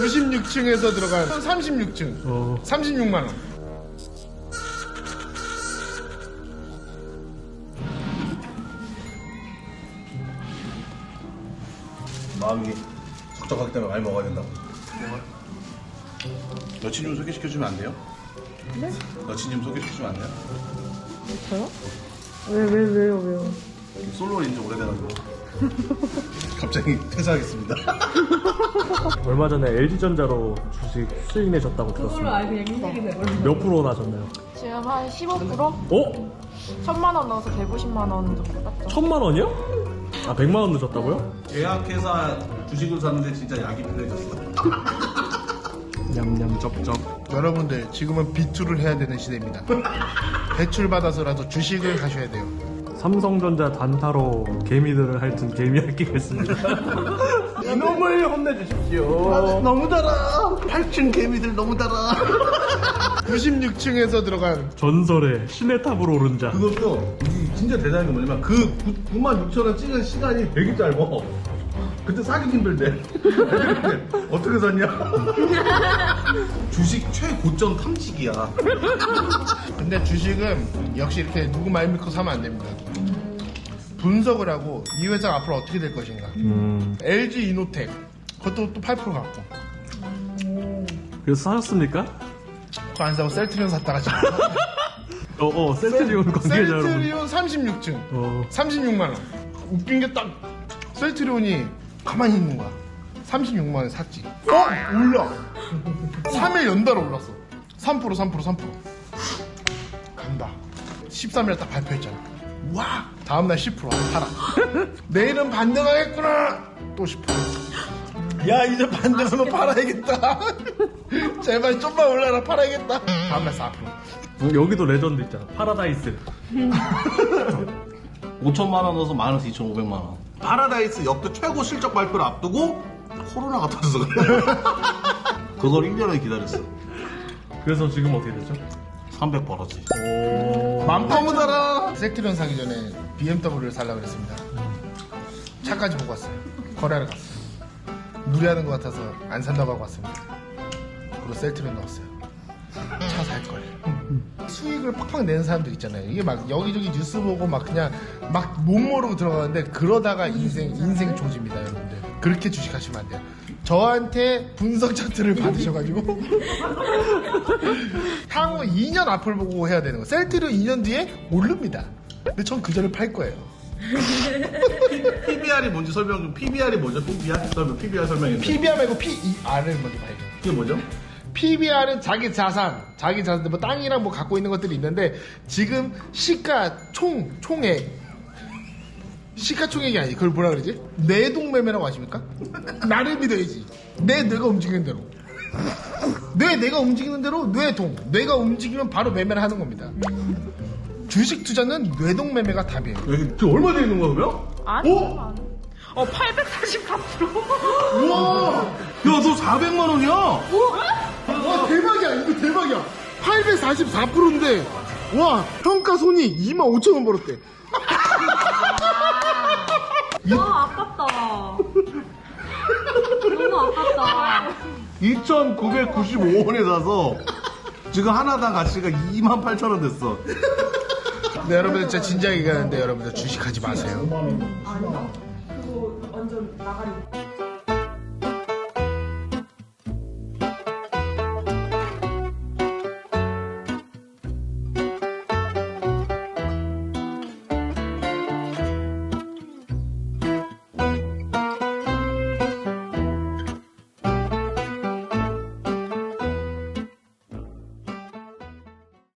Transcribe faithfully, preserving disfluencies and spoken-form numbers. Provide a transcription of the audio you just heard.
구십육 층에서 들어간 삼십육 층 어. 삼십육만 원. 마음이 적적하기 때문에 많이 먹어야 된다고. 여친 좀 소개시켜주면 안 돼요? 네? 여친 좀 소개시켜주면 안 돼요? 저요? 왜, 왜, 왜요, 왜요? 솔로인 지 오래돼가지고. 갑자기 퇴사하겠습니다. 얼마 전에 엘지전자로 주식 수익내셨다고 그걸로 들었습니다. 아예 그냥 인식이 돼버린 몇 프로 나셨나요? 지금 한 십오 퍼센트? 어? 천만 원 넣어서 백오십만 원 정도 땄죠. 천만 원이요? 아, 백만 원 넣으셨다고요? 제약회사 주식을 샀는데 진짜 약이 필요해졌어. 냠냠 쩝쩝. 여러분들 지금은 비투를 해야 되는 시대입니다. 대출 받아서라도 주식을 하셔야 돼요. 삼성전자 단타로 개미들을 핥은 개미 핥기겠습니다. 이놈을 혼내주십시오. 너무 달아. 팔 층 개미들 너무 달아. 구십육 층에서 들어간 전설의 신의 탑으로 오른 자. 그것도 이 진짜 대단한 게 뭐냐면 그 구만 육천 원 찍은 시간이 되게 짧아. 그때 사기 힘들대. 어떻게 샀냐? 주식 최고점 탐지기야. 근데 주식은 역시 이렇게 누구 말 믿고 사면 안 됩니다. 분석을 하고 이 회사가 앞으로 어떻게 될 것인가. 음. 엘지 이노텍 그것도 또 팔 퍼센트 갖고 그래서 사셨습니까? 그거 안 사고 셀트리온 샀다가 지금 어, 어, 셀트리온 관계자 여러분. 셀트리온 삼십육 층 어. 삼십육만 원. 웃긴 게 딱 셀트리온이 가만히 있는 거야. 삼십육만 원에 샀지. 어? 올라. 삼 일 연달아 올랐어. 삼 퍼센트 삼 퍼센트 삼 퍼센트 간다. 십삼 일 딱 발표했잖아. 와! 다음날 십 퍼센트 팔아. 내일은 반등하겠구나. 또 십 퍼센트. 야, 이제 반등하면 팔아야겠다. 제발 좀만 올라라. 팔아야겠다. 다음날 사 퍼센트. 여기도 레전드 있잖아. 파라다이스. 오천만 원 넣어서 마이너스 이천오백만 원. 파라다이스 역대 최고 실적 발표를 앞두고 코로나가 터져서 그래. 그걸 일 년을 기다렸어. 그래서 지금 어떻게 되죠? 삼백 벌었지. 너무 달아. 셀트리온 사기 전에 비엠더블유를 살려고 그랬습니다. 차까지 보고 왔어요. 거래하러 갔어요. 무리하는 것 같아서 안 산다고 하고 왔습니다. 그리고 셀트리온 넣었어요. 차 살걸. 수익을 팍팍 내는 사람들 있잖아요. 이게 막 여기저기 뉴스 보고 막 그냥 막 못 모르고 들어가는데 그러다가 인생, 인생 조집니다, 여러분들. 그렇게 주식하시면 안 돼요. 저한테 분석 차트를 받으셔가지고 향후 이 년 앞을 보고 해야 되는 거. 셀트리온 이 년 뒤에 오릅니다. 근데 전 그 전에 팔 거예요. 피비알이 뭔지 설명 좀. 피비알이 뭐죠? 피비알? 설명, 피비알 설명해 주세요. 피비알 말고 피이알을 먼저 봐야 돼요. 이게 뭐죠? 피비알은 자기 자산, 자기 자산, 뭐 땅이랑 뭐 갖고 있는 것들이 있는데 지금 시가 총, 총액, 시가총액이 아니지. 그걸 뭐라 그러지? 내동매매라고 아십니까? 나를 믿어야지. 내 뇌가 움직이는 대로. 뇌 내가 움직이는 대로 뇌동. 뇌가 움직이면 바로 매매를 하는 겁니다. 주식 투자는 뇌동매매가 답이에요. 여기 지금 얼마 돼 있는 거야, 그러면? 아니, 어? 안 해. 어, 팔백사십사 퍼센트. 우와! 야, 너 사백만 원이야? 와, 대박이야. 이거 대박이야. 팔백사십사 퍼센트인데 와, 평가 손이 이만 오천 원 벌었대. 너무 아깝다. 너무 아깝다. 이천구백구십오 원에 사서 지금 하나당 가치가 이만 팔천 원 됐어. 네, 여러분들 진짜 진지하게 얘기하는데 여러분들 주식하지 마세요. 아니다. 그거 완전 나가리.